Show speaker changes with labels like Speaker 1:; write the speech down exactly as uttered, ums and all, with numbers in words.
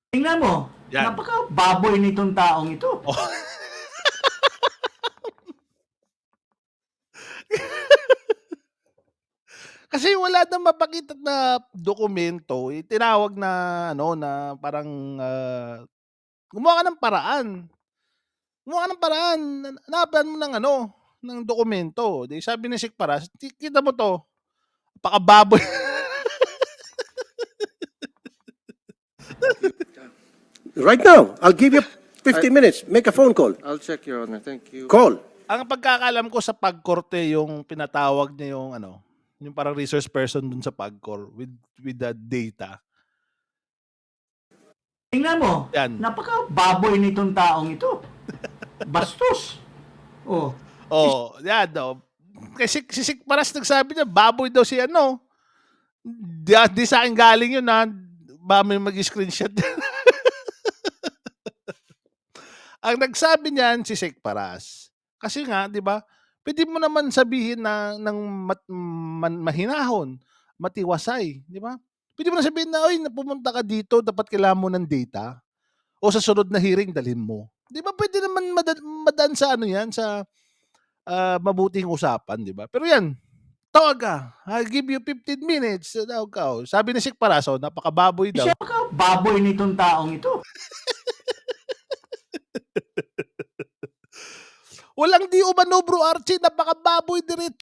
Speaker 1: Tingnan mo,
Speaker 2: Yan.
Speaker 1: napakababoy nitong taong ito.
Speaker 2: Oh. Kasi wala nang mapakita na dokumento, eh, tinawag na ano, na parang, ah, gumawa ka ng paraan. Gumawa ka ng paraan, na hanapan mo ng ano, ng dokumento. 'Di sabi ni Sikparas, "Ti kita mo 'to, napakababoy."
Speaker 3: Right now, I'll give you fifteen minutes. Make a phone call.
Speaker 4: I'll check, Your Honor. Thank you.
Speaker 3: Call.
Speaker 2: Ang pagkakaalam ko sa Pagkorte yung pinatawag niya yung ano, yung parang resource person dun sa Pagcor with with the data.
Speaker 1: Tingnan mo,
Speaker 2: Yan.
Speaker 1: napakababoy nitong taong ito. Bastos. Oh,
Speaker 2: Oh, yan oh. Kasi si Sikparas nagsabi niya baboy daw si ano. Di, ah, di sa akin galing yun, ah, baka may mag-screenshot. Ang nagsabi niyan si Sikparas. Kasi nga, 'di ba? Puwede mo naman sabihin na ng mat man mahinahon, matiwasay, 'di ba? Puwede mo na sabihin na, "Uy, na pumunta ka dito, dapat kailangan mo ng data. O sa sunod na hearing dalhin mo." 'Di ba puwede naman mada madaan sa ano 'yan, sa, ah, mabuting usapan, 'di ba? Pero 'yan, tawag ka, "I'll give you fifteen minutes." Tawag ka, oh. Sabi ni Sikparas, oh, napakababoy daw.
Speaker 1: siya napakababoy nitong taong ito.
Speaker 2: Walang di umano, Bro Archie, napakababoy dire